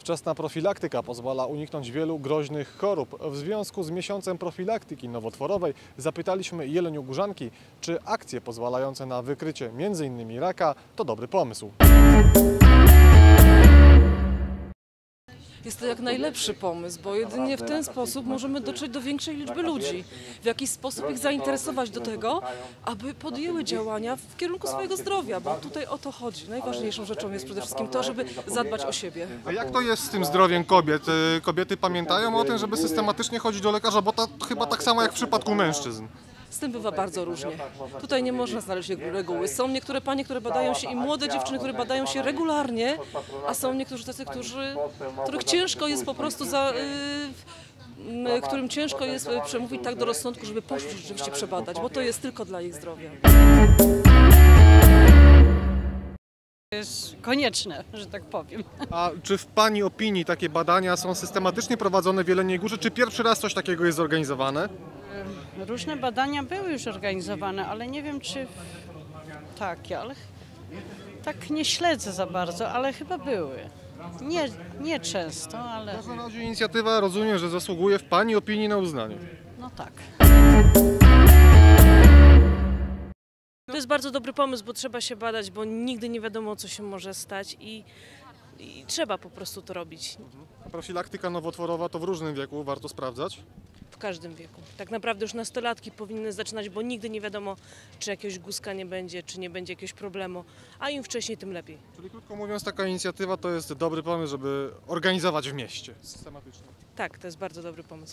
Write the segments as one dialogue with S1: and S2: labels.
S1: Wczesna profilaktyka pozwala uniknąć wielu groźnych chorób. W związku z miesiącem profilaktyki nowotworowej zapytaliśmy jeleniogórzanki, czy akcje pozwalające na wykrycie m.in. raka to dobry pomysł.
S2: Jest to jak najlepszy pomysł, bo jedynie w ten sposób możemy dotrzeć do większej liczby ludzi. W jakiś sposób ich zainteresować do tego, aby podjęły działania w kierunku swojego zdrowia, bo tutaj o to chodzi. Najważniejszą rzeczą jest przede wszystkim to, żeby zadbać o siebie.
S1: A jak to jest z tym zdrowiem kobiet? Kobiety pamiętają o tym, żeby systematycznie chodzić do lekarza, bo to chyba tak samo jak w przypadku mężczyzn.
S2: Z tym bywa bardzo różnie. Tutaj nie można znaleźć reguły. Są niektóre panie, które badają się i młode dziewczyny, które badają się regularnie, a są niektórzy tacy, których ciężko jest po prostu którym ciężko jest przemówić tak do rozsądku, żeby poszli rzeczywiście przebadać, bo to jest tylko dla ich zdrowia.
S3: Jest konieczne, że tak powiem.
S1: A czy w Pani opinii takie badania są systematycznie prowadzone w Jeleniej Górze, czy pierwszy raz coś takiego jest zorganizowane?
S3: Różne badania były już organizowane, ale nie wiem czy takie, ale tak nie śledzę za bardzo, ale chyba były. Nie często, ale...
S1: W każdym razie inicjatywa, rozumiem, że zasługuje w Pani opinii na uznanie.
S3: No tak.
S4: To jest bardzo dobry pomysł, bo trzeba się badać, bo nigdy nie wiadomo, co się może stać i trzeba po prostu to robić.
S1: Profilaktyka nowotworowa to w różnym wieku warto sprawdzać?
S4: W każdym wieku. Tak naprawdę już nastolatki powinny zaczynać, bo nigdy nie wiadomo, czy jakiegoś guska nie będzie, czy nie będzie jakiegoś problemu, a im wcześniej, tym lepiej.
S1: Czyli krótko mówiąc, taka inicjatywa to jest dobry pomysł, żeby organizować w mieście systematycznie.
S4: Tak, to jest bardzo dobry pomysł.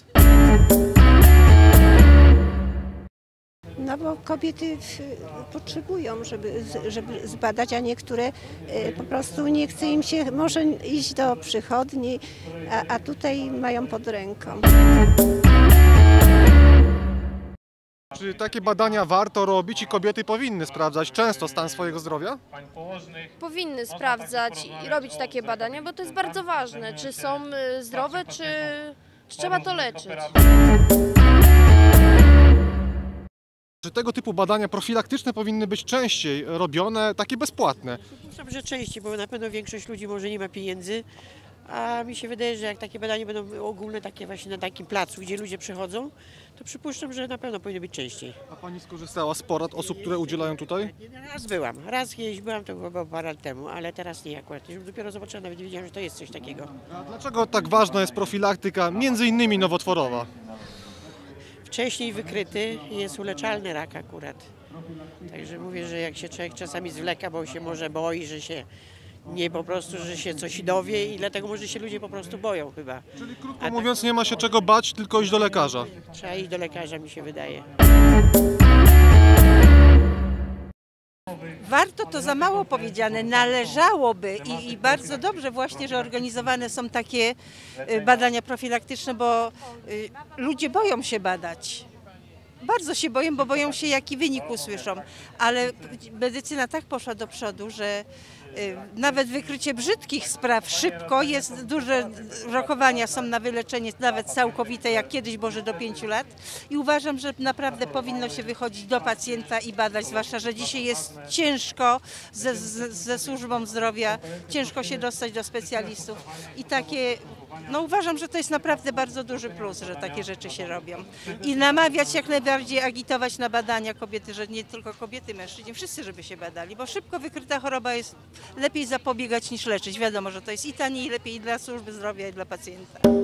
S5: No bo kobiety potrzebują, żeby zbadać, a niektóre po prostu nie chce im się może iść do przychodni, a tutaj mają pod ręką.
S1: Czy takie badania warto robić i kobiety powinny sprawdzać często stan swojego zdrowia?
S6: Powinny sprawdzać i robić takie badania, bo to jest bardzo ważne, czy są zdrowe, czy trzeba to leczyć.
S1: Czy tego typu badania profilaktyczne powinny być częściej robione, takie bezpłatne?
S7: Przypuszczam, że częściej, bo na pewno większość ludzi może nie ma pieniędzy, a mi się wydaje, że jak takie badania będą ogólne, takie właśnie na takim placu, gdzie ludzie przychodzą, to przypuszczam, że na pewno powinno być częściej.
S1: A Pani skorzystała z porad osób, które udzielają tutaj?
S7: Raz kiedyś byłam, to było parę lat temu, ale teraz nie akurat. Dopiero zobaczyłam, nawet nie wiedziałam, że to jest coś takiego.
S1: A dlaczego tak ważna jest profilaktyka, między innymi nowotworowa?
S7: Wcześniej wykryty jest uleczalny rak akurat. Także mówię, że jak się człowiek czasami zwleka, bo się może boi, że się nie po prostu, że się coś dowie i dlatego może się ludzie po prostu boją chyba.
S1: Czyli krótko mówiąc, nie ma się czego bać, tylko iść do lekarza.
S7: Trzeba iść do lekarza, mi się wydaje.
S8: Warto to za mało powiedziane, należałoby i bardzo dobrze właśnie, że organizowane są takie badania profilaktyczne, bo ludzie boją się badać. Bardzo się boją, bo boją się, jaki wynik usłyszą, ale medycyna tak poszła do przodu, że nawet wykrycie brzydkich spraw szybko jest, duże rokowania są na wyleczenie, nawet całkowite, jak kiedyś, może do 5 lat. I uważam, że naprawdę powinno się wychodzić do pacjenta i badać, zwłaszcza, że dzisiaj jest ciężko ze służbą zdrowia, ciężko się dostać do specjalistów. I takie, no uważam, że to jest naprawdę bardzo duży plus, że takie rzeczy się robią. I namawiać jak najbardziej, agitować na badania kobiety, że nie tylko kobiety, mężczyźni, wszyscy, żeby się badali, bo szybko wykryta choroba jest lepiej zapobiegać niż leczyć. Wiadomo, że to jest i taniej, i lepiej i dla służby zdrowia, i dla pacjenta.